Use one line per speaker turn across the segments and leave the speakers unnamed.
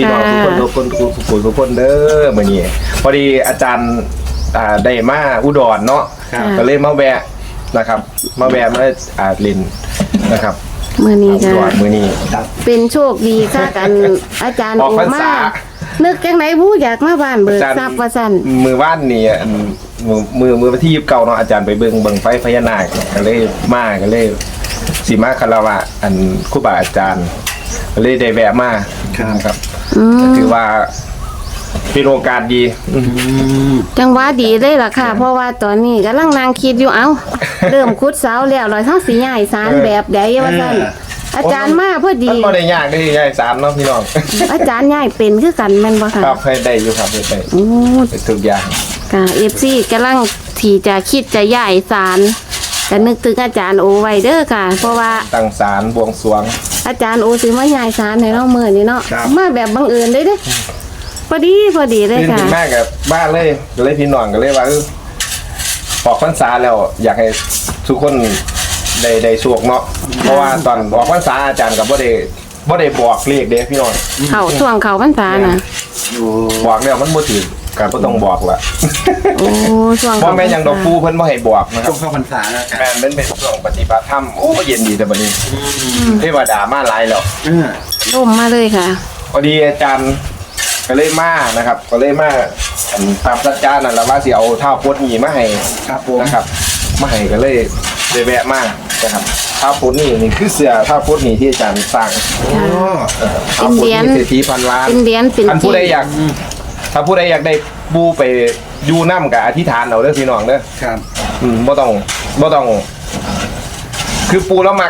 พี่น้องทุกคนเด้อมื้อนี้พอดีอาจารย์ได้มาอุดรเนาะก็เลยมาแวะนะครับมาเล่นนะครับ
มื้อนี้ก็
มื้อนี้
เป็นโชคดีค่ะกันอาจารย์โอมานึกจังไหนผู้อยากมาบ้านเบิกทรัพย์ว่าซั่น
มื้อวานนี่มือวันที่29เนาะอาจารย์ไปเบิ่งไฟพญานาคก็เลยสิมาคารวะอันครูบาอาจารย์ก็เลยได้แวะมาครับถือว่าเป็นโอกาสดี
จังหวะดีเลยล่ะค่ะเพราะว่าตอนนี้กำลังนั่งคิดอยู่เริ่มขุดเสาแล้ว100ทั้งสิย้ายศาลแบบใดว่าซั่นอาจารย์มาพอดี
มันบ่ได้ยากได้ย้ายศาลเนาะพี่น้อง
อาจารย์ย้ายเป็นคือกันแม่นบ่ค่ะ
ครับให้ได้อยู่ครับได้
โอ้
ทุกอย่าง
ค่ะ FC กำลังที่จะคิดจะย้ายศาลก็นึกถึงอาจารย์โอไว้เด้อค่ะเพราะว่า
ตั้งศาลบวงสรวง
อาจารย์โอสิมาย้ายศาลให้เรามื้อนี้เนาะมาแบบบังเอิญเด้พอดีเลยค่ะ
แม่กับบ้านเลยพี่น้องก็เลยว่าออกพรรษาแล้วอยากให้ทุกคนได้โชคเนาะเพราะว่าตอนออกพรรษาอาจารย์กับบ่ได้บอกเลขเด้พี่น้อง
ช่วงเขาพรรษาน่ะ
บอกแล้วมันบ่ถูกก็บ่ต้องบอกละ
โอ้ช่วง
บ่แม่นหยังดอกปูเพิ่นบ่ให้บอกนะครับ
ช่วงเข้าพรรษาแล้ว
แม่นเป็นช่วงปฏิบัติธรรมโอ้เย็นดีแต่บัดนี้เทวดามาหลายแล้ว
ร่มมาเลยค่ะ
พอดีอาจารย์ก็เลยมานะครับก็เลยมาตามสัจจานั่นแหละว่าสิเอาเท้าโพธิ์นี่มาให้นะครับมาให้ก็เลยแวะมานะครับเท้าโพธิ์นี่คือเสื้อเท้าโพธิ์นี่ที่อาจารย์สร้างเท้าโพธิ์นี่เศรษฐีพันล้านท่านผู้ใดอยากถ้าผู้ใดอยากได้บูไปยูน้ำกับอธิษฐานเอาเด้อพี่น้องเด้อ
ครับ
บ่ต้องคือปูแล้วมา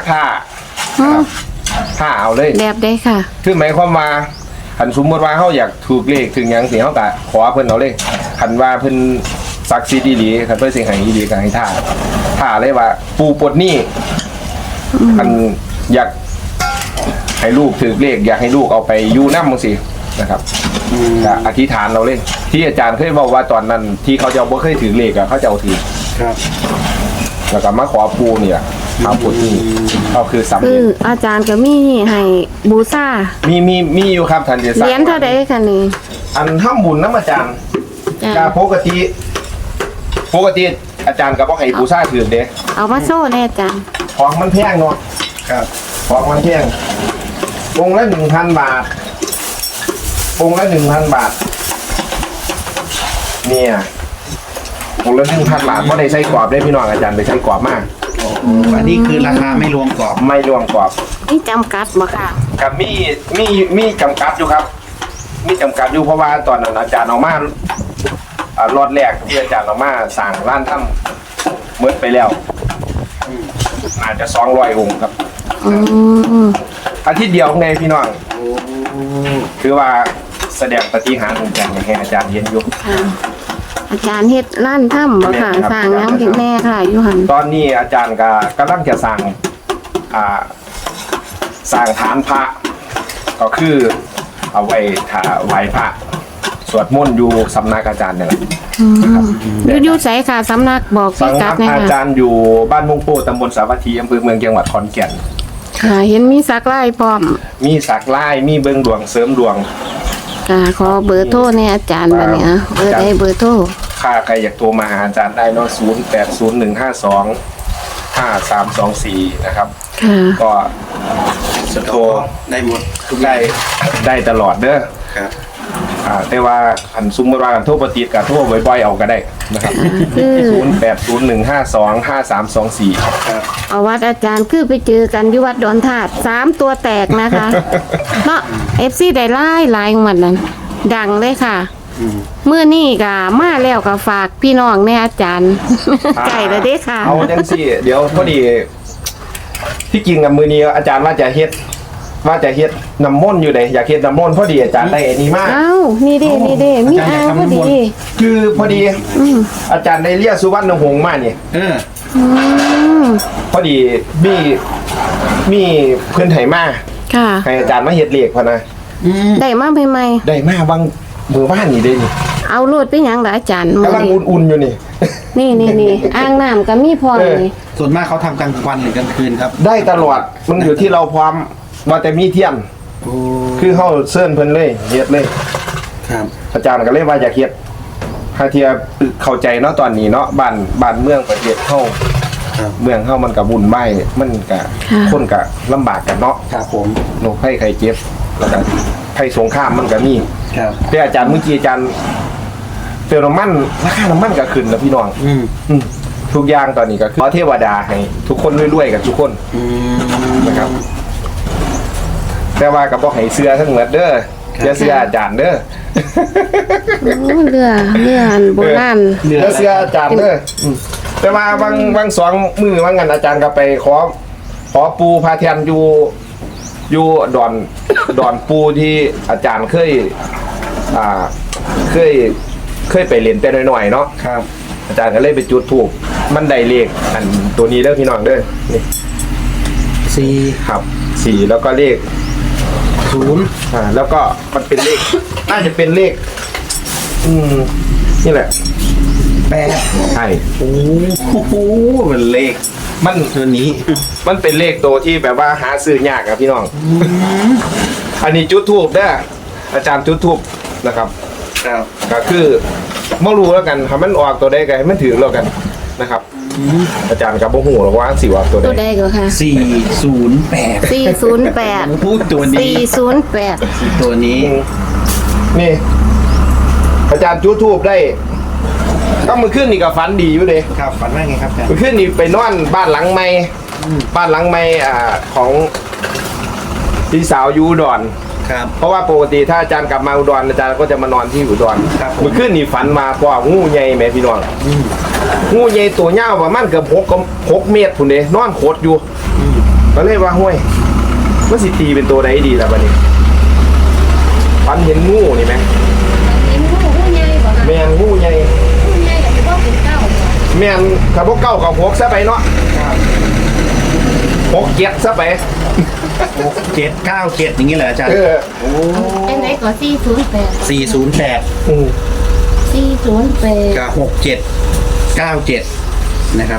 ท่าเอาเลย
แบบได้ค่ะ
คือหมายความว่าหันสมมติว่าเขาอยากถูกเลขถึงอย่างสิเขาก็ขอเพิ่นเอาเลยหันว่าเพิ่นศักดิ์สิทธิ์ดีๆคันเพิ่นสิให้ดีก็ให้ท่าเลยว่าปูปลดหนี้หันอยากให้ลูกถูกเลขอยากให้ลูกเอาไปอยู่นำจังซี่นะครับก็อธิษฐานเราเลยที่อาจารย์เคยบอกว่าตอนนั้นที่เขาจะบ่เคยถือเลขเขาจะเอาถือ
ครับ
แล้วก็มาขอปูเนี่ยเอาปลดหนี้ก็คือสำเร็จ
อาจารย์ก็มีให้บูชา
มีอยู่ครับท่านจะ
เหรียญเท่าใดคะนี่
อันทำบุญน้ำอาจารย์ก็ปกติอาจารย์ก็บ่ให้บูชาถือเด้
เอามาโซ่แน่อาจารย์
ของมันแพงเนาะ
ครับ
ของมันแพงองค์ละ 1,000 บาทองค์ละ 1,000 บาทเนี่ยองค์ละ 1,000 บาทบ่ได้ใส่กรอบได้พี่น้องอาจารย์ไปใส่กรอบมาก
อันนี้คือราคาไม่รวมกรอบ
นี่จำกัดบ่ค่ะ
ครับมีจำกัดอยู่ครับมีจำกัดอยู่เพราะว่าตอนนั้นอาจารย์ออกมารอดแรกที่อาจารย์ออกมาสั่งร้านถ้ำเมื่อไปแล้วอาจจะ200 องค์ครับอาทิตย์เดียวไงพี่น้องคือว่าแสดงปฏิหารย์ของอาจารย์ให้อาจารย์เห็นอยู่
อาจารย์เฮ็ดร้านถ้ำบ่ค่ะสร้างน้ำเห็นแน่ค่ะอยู่หัน
ตอนนี้อาจารย์ก็กำลังจะสร้างฐานพระก็คือเอาไว้ไหว้พระสวดมนต์อยู่สำนักอาจารย์เนี่ยแหละ
อยู่ไสค่ะสำนักบอกพี่กัดนะคะ
อาจารย์อยู่บ้านมงโปตำบลสาวัตถีอำเภอเมืองจังหวัดขอนแก่น
ค่ะเห็นมีสักไล่พร้อม
มีสักไล่มีเบิ่งดวงเสริมดวง
ค่ะขอเบอร์โทรเนี่ยอาจารย์บัดนี้เบอร์โทร
ใครอยากโทรมาหาอาจารย์ได้เนาะ0801525324นะครับก็จะโทร
ได้หมด
ได้ตลอดเด้อ
ครับ
แต่ว่าอันซุ่มเวลาโทรปฏิกับโทรบ่อยๆเอาก็ได้นะครับ0801525324
ครับเอาวัดอาจารย์คือไปเจอกันที่วัดดอนธาตุ3ตัวแตกนะคะเนาะ FC ได้หลายงวดนั้นดังเลยค่ะเมื่อนี่ก็มาแล้วก็ฝากพี่น้องแม่อาจารย์ไก่ละเด้ค่ะ
เอาจังสิเดี๋ยวพอดีที่จริงกับมือนี้อาจารย์ว่าจะเฮ็ดน้ำมนต์อยู่เลยอยากเฮ็ดน้ำมนต์พอดีอาจารย์ได้อันนี้มาก
นี่ดิมีอ่างพอดี
คือพอดีอาจารย์ได้เรียกสุวรรณหงษ์มาเนี่ยพอดีมีเพื่อนไถมาให้อาจารย์มาเฮ็ดเลขพอนะ
ได้มาใหม่
ได้มาบางมือบ้านนี่ได้นี่
เอาโลดไปยังล่ะอาจารย์
กำลังอุ่นๆอยู่
นี่อ่างน้ำก็มีพอนี่
ส่วนมากเขาทำกลางวันหรือกลางคืนครับ
ได้ตลอดมันอยู่ที่เราพร้อมว่าแต่มีเทียน
โอ้
คือเฮาเชิญเพิ่นเลยเฮ็ดเลย
ครับ
อาจารย์ก็เลยว่าอยากเฮ็ดหาเทียเข้าใจเนาะตอนนี้เนาะบ้านเมืองประเทศเฮา
ครับ
เมืองเฮามันก็วุ่นวายมันก็คนก็ลำบากกันเนาะ
ครับผม
โรคภัยไข้เจ็บแล้วก็ภัยสงครามมันก็มี
ครับ
แต่อาจารย์เมื่อกี้อาจารย์เติมน้ำมันราคาน้ำมันก็ขึ้นแล้วพี่น้อง
อืม
ทุกอย่างตอนนี้ก็คือขอเทวดาให้ทุกคนรวยๆกันทุกคน
อืม
นะครับ แต่ว่าก็บ่ให้เสื้อทั้งหมดเด้อ
ครับ
อย่าเสื้ออาจารย์เด้อ
โอ้เรืออันโบราณ
อย่าเสื้ออาจารย์เด้อแต่ว่าบางสองมือว่างั้นอาจารย์ก็ไปขอปูพาเทียนอยู่ดอนปูที่อาจารย์เคยไปเรียนแต่น้อยๆเนาะ
ครับ
อาจารย์ก็เลยไปจุดธูปมันได้เลขอันตัวนี้เด้อพี่น้องเด้อนี่
สี่
ครับ4แล้วก็เลข
ศูนย์
แล้วก็มันเป็นเลข น่าจะเป็นเลข นี่แหละ
แปด
ใช่
โอ้โหมันเลข
มัน
ตัวนี้
มันเป็นเลขตัวที่แบบว่าหาซื้อยากอะพี่น้อง อันนี้จุดธูปเด้ออาจารย์จุดธูปนะครับ
ครับ
ก็คือไม่รู้แล้วกันถ้ามันออกตัวใดก็ให้มันถือแล้วกันนะครับ อาจารย์กับบ่ฮู้หรอกว่าสิว่าตัวใด
ตัวใดก็ค่ะ
408
408
พูดตัวนี้
408
ตัวนี้
นี่ อาจารย์จุดธูปได้ ก็มือขึ้นนี่ก็ฝันดีอยู่เด้
ครับฝันว่าไงครับอาจารย์
มือขึ้นนี่ไปนอนบ้านหลังใหม่บ้านหลังใหม่ของพี่สาวอยูอุดร
ครับ
เพราะว่าปกติถ้าอาจารย์กลับมาอุดรอาจารย์ก็จะมานอนที่อุดร
ครับผม
มือขึ้นนี่ฝันมาพองูใหญ่แม่พี่น้องงูใหญ่ตัวยาวประมาณเกือบ6 เมตรพุ่นเด้นอนโคตรอยู่ก็เลยว่าห้วยมันสิตีเป็นตัวใดดีล่ะบัดนี้ฝันเห็นงูนี่ไหม
เห็นงูใหญ่บ่ค่ะ
แม่นงูใหญ่
งูใหญ่ก็สิบ่เป็นเก้าบ่
แม่นขับพวกเก้ากับ6ซะไปเนาะ6 7ซะไป
797อย่างนี้เหรออาจารย์
เออ
โอ้
อันไหนก็408
408
อืม
408
กับ6797นะครับ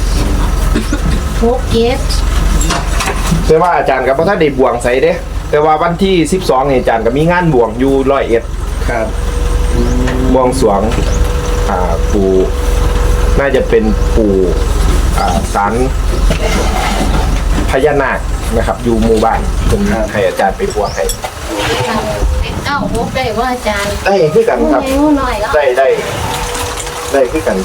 67
แต่ว่าอาจารย์กับพระท่านได้บวงใส่เด้ แต่ว่าวันที่12เนี่ยอาจารย์ก็มีงานบวงอยู่101
ครับ
บวงสรวงปู่น่าจะเป็นปู่ศาลพญานาคนะครับ อยู่หมู่บ้านผมให้อาจารย์ไปบวงให้
เป็น96ได้ว่าอาจารย์
ได้คือกัน
งู
ครับ
ใหญ่งูน้อยแล้ว
ได้คือกัน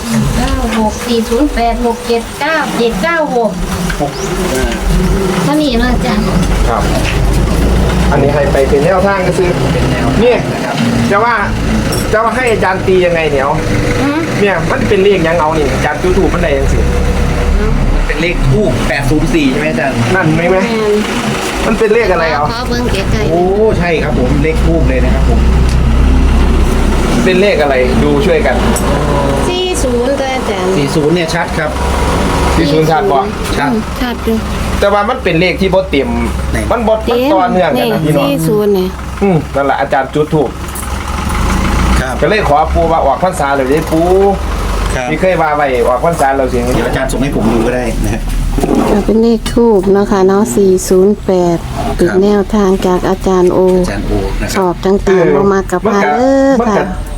96408679796เท่านี้เนาะอาจารย์
ครับ อันนี้ให้ไปเป็นแนวทางก็คือ
เป็นแนว
เนี่ย
นะครับ
จะว่าให้อาจารย์ตียังไงเนี่ยเอาเนี่ยมันเป็นเลขยังเอานี่อาจารย์จูถูกมันได้ยังสิ
เป็นเลขทูบ804ใช่ไหมอาจารย์
นั่นไหม
แม่น
มันเป็นเลขอะไรเอา
ขอเบิ่งใกล้
โอ้ใช่ครับผมเลขทูบเลยนะครับผม
เป็นเลขอะไรดูช่วยกัน
ๆ40ตัวอาจารย์
40เนี่ยชัดครับ
ที่ศูนย์ชาติบ่
ชัด
ชัดอยู่
แต่ว่ามันเป็นเลขที่บ่เต็ม
ไหน
มันบ่มันต่อเนื่องกันนะพี่น้อง
40เนี่ย
นั่นแหละอาจารย์จุดถูก
ครับ
ก็เลยขอปูว่าออกพรรษาเลยได้ปู
ครับ
ที่เคยว่าไว้ออกพรรษาเราสิ
เดี๋ยวอาจารย์ส่งให้ผมดูก็ได้นะฮะ
เป็นเลขทูบเนาะค่ะเนาะ408เป็นแนวทางจากอาจารย์โอ
อาจารย์โอนะค
ส
รับ
อบต่างๆลงมากับพาเด้อ
มัน
ค่ะ
ก็